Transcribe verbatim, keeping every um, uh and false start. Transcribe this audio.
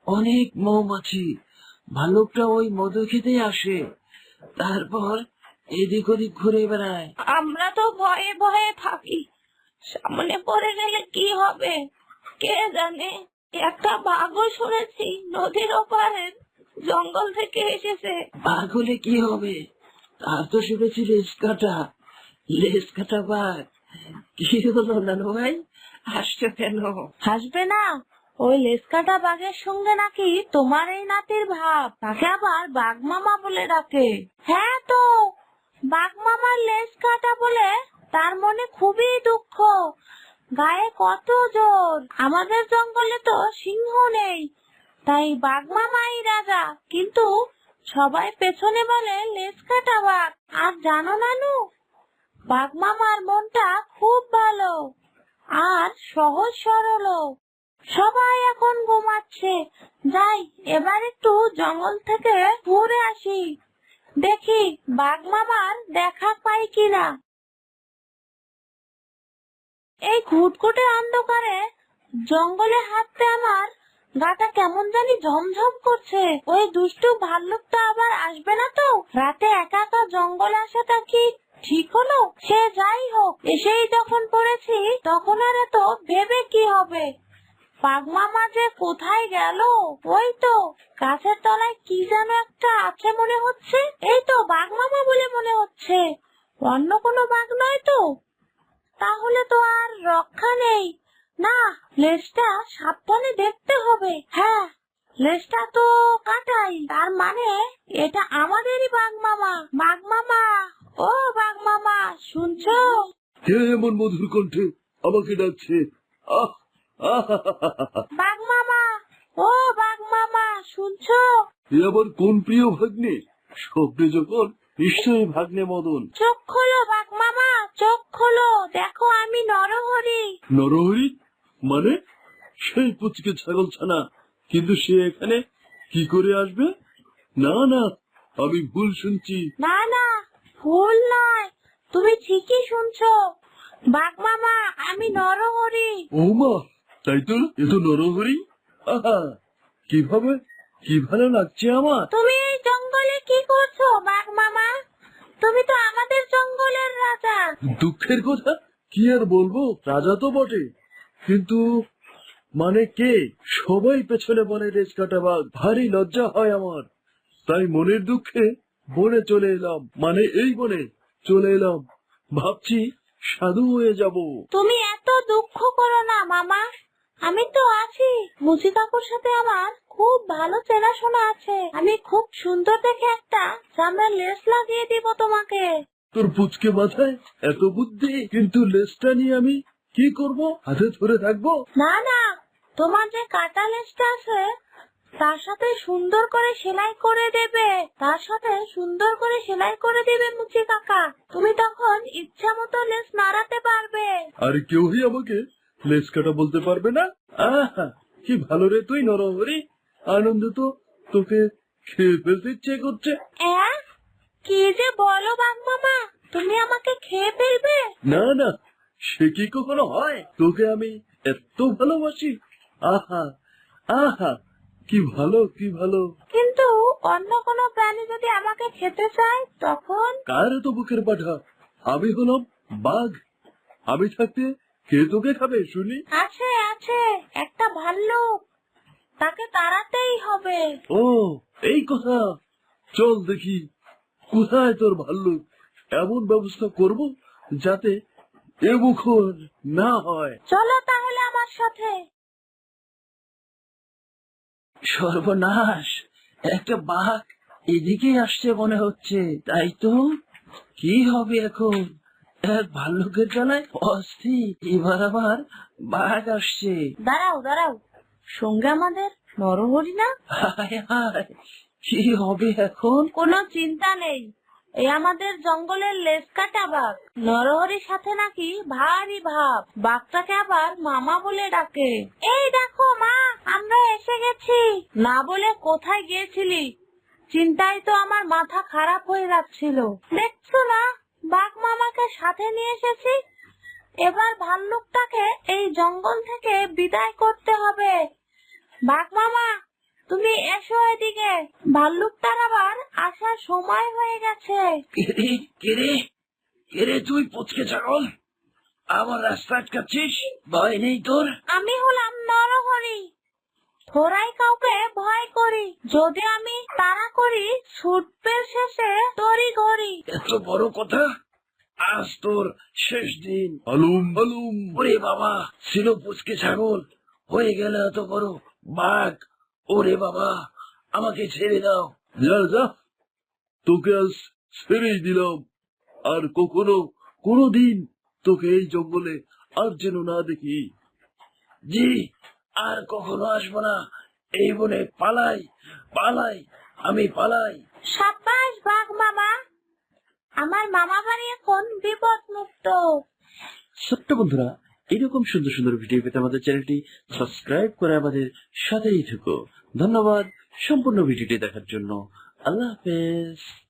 অনেক মৌমাছি। ভাল্লুকটা ওই মধু খেতে আসে, তারপর এদিক ওদিক ঘুরে বেড়ায়। আমরা তো ভয়ে ভয়ে থাকি, সামনে পড়ে গেলে কি হবে কে জানে। একটা বাঘও শুনেছি নদীর ওপারের জঙ্গল থেকে এসেছে। বাঘ হলে কি হবে? তার তো শুনেছি লেজ কাটা। লেজ কাটা বাঘ। কি হলো নানু ভাই, হাসছো কেন? হাসবে না? ওই লেজকাটা বাঘের সঙ্গে নাকি তোমার এই নাতির ভাব, তাকে আবার বাঘ মামা বলে ডাকে। হ্যাঁ তো, বাঘ মামার লেজ কাটা বলে তার মনে খুবই দুঃখ, গায়ে কত জোর। আমাদের জঙ্গলে তো সিংহ নেই, তাই বাঘ মামাই রাজা, কিন্তু সবাই পেছনে বলে লেজ কাটা বাঘ। আর জানো নানু, বাঘ মামার মনটা খুব ভালো আর সহজ সরল। সবাই এখন ঘুমাচ্ছে, যাই এবার একটু জঙ্গল থেকে ঘুরে আসি, দেখি বাঘ মামার দেখা পাই কিনা। এই ঘুটঘুটে অন্ধকারে জঙ্গলে হাঁটতে আমার গাটা কেমন জানি ঝমঝম করছে। ওই দুষ্টু ভাল্লুকটা আবার আসবে না তো? রাতে একা একা জঙ্গলে আসাটা কি ঠিক হলো? সে যাই হোক, এসেই যখন পড়েছি তখন আর এত ভেবে কি হবে। বাঘ মামা যে কোথায় গেল? ওই তো গাছের তলায় কি যেন একটা আছে মনে হচ্ছে। এই তো বাঘ মামা বলে মনে হচ্ছে, অন্য কোনো বাঘ নয় তো? তাহলে তো আর রক্ষা নেই। না, লেজটা সাবধানে দেখতে হবে। হ্যাঁ, লেজটা তো কাটাই, তার মানে এটা আমাদেরই বাঘ মামা। বাঘ মামা, ও বাঘ মামা, শুনছো? কে এমন মধুর কণ্ঠে আমাকে ডাকছে? আহ আহ বাঘ মামা, ও বাঘ মামা, শুনছো? এ আবার কোন প্রিয় ভাগ্নে? স্বপ্নে যখন নিশ্চয়ই ভাগ্নে মদন। চোখ খোলো বাঘ মামা, চোখ খোলো, দেখো আমি নরহরি। নরহরি মানে? সেই পুচকে ছাগল ছানা, কিন্তু সে এখানে কি করে আসবে? না না, আমি ভুল শুনছি। না না, ভুল নয়, তুমি ঠিকই শুনছো বাঘ মামা, আমি নরহরি। ও মা, তাই তো, এ তো নরহরি। আহা, কিভাবে কি ভালো লাগছে আমার। তুমি এই জঙ্গলে কি করছো বাঘ মামা? তুমি তো আমাদের জঙ্গলের রাজা। দুঃখের কথা কি আর বলবো, রাজা তো বটে, কিন্তু মানে কে? সবাই পেছনে বনে রেস কাটা বাঘ, ভারী লজ্জা হয় আমার। তাই মনের দুঃখে বনে চলে এলাম, মানে এই বনে চলে এলাম। ভাবছি সাধু হয়ে যাব। তুমি এত দুঃখ করো না মামা, আমি তো আছি। মুচি কাকুর সাথে আমার খুব ভালো চেনাশোনা আছে, আমি খুব সুন্দর দেখে একটা চামড়ার লেস লাগিয়ে দিব তোমাকে। তোর পুচকে মাথায় এত বুদ্ধি, কিন্তু লেজটা নিয়ে আমি কি করব? হাতে ধরে থাকবো? না না, তোমার যে কাটা লেসটা আছে তার সাথে সুন্দর করে সেলাই করে দেবে, তার সাথে সুন্দর করে সেলাই করে দেবে মুচি কাকা। তুমি তখন ইচ্ছা মতো লেস নাড়াতে পারবে। আর কেউই আমাকে লেজ কাটা বলতে পারবে না। আহা, কি ভালো রে তুই নরহরি। আনন্দ তো তোকে খেয়ে ফেলতে ইচ্ছে করছে। অ্যা? কি যে বলো বাঘ মামা, তুমি আমাকে খেয়ে ফেলবে? না না, সে কি কখনো হয়? তোকে আমি এত ভালোবাসি। আহা আহা, কি ভালো কি ভালো। কিন্তু অন্য কোনো প্রাণী যদি আমাকে খেতে চায় তখন? কার এত বুকের পাঠা? আমি হলাম বাঘ, আমি থাকতে কে তোকে খাবে শুনি? আছে আছে, একটা ভাল্লুক, তাকে তাড়াতেই হবে। ও, এই কথা। চল দেখি কোথায় তোর ভাল্লুক। এমন ব্যবস্থা করব যাতে এ মুখর না হয়। চলো তাহলে আমার সাথে। সর্বনাশ, একটা বাঘ এদিকে আসছে মনে হচ্ছে। তাই তো, কি হবে এখন? এক ভাল্লুকের জ্বালায় অস্থির, এবার আবার বাঘ আসছে। দাঁড়াও দাঁড়াও, সঙ্গে আমাদের নরহরি না? হায় হায়, কি হবে এখন? কোনো চিন্তা নেই, এই আমাদের জঙ্গলের লেজ কাটা বাঘ। নরহরির সাথে নাকি ভারী ভাব, বাঘটাকে আবার মামা বলে ডাকে। এই দেখো মা, আমরা এসে গেছি। না বলে কোথায় গিয়েছিলি? চিন্তায় তো আমার মাথা খারাপ হয়ে যাচ্ছিল। দেখছো না, বাঘ মামাকে সাথে নিয়ে এসেছি। এবার ভাল্লুকটাকে এই জঙ্গল থেকে বিদায় করতে হবে। বাঘ মামা, তুমি এসো এদিকে, ভাল্লুকটার আবার আসার সময় হয়ে গেছে। কেরে কেরে কেরে তুই পুচকে ছাগল, আমার রাস্তা আটকাচ্ছিস? ভয় নেই তোর? আমি হলাম নরহরি, থোড়াই কাউকে ভয় করি, যদি আমি তাড়া করি ছুটবে শেষে তরি ঘড়ি। এত বড় কথা, আজ তোর শেষ দিন। হালুম হালুম। ওরে বাবা, ছিল পুচকে ছাগল, হয়ে গেল এত বড় বাঘ। ওরে বাবা, আমাকে ছেড়ে দাও। যা যা, তোকে আজ ছেড়েই দিলাম। আর কখনো কোনোদিন তোকে এই জঙ্গলে আর যেন না দেখি। জি, আর কখনো আসবো না। এই বনে পালাই পালাই, আমি পালাই। সাব্বাস বাঘ মামা, আমার মামা বাড়ি এখন বিপদ মুক্ত। ছোট্ট বন্ধুরা, এরকম সুন্দর সুন্দর ভিডিও পেতে আমাদের চ্যানেলটি সাবস্ক্রাইব করে আমাদের সাথেই থেকো। ধন্যবাদ সম্পূর্ণ ভিডিওটি দেখার জন্য। আল্লাহ হাফেজ।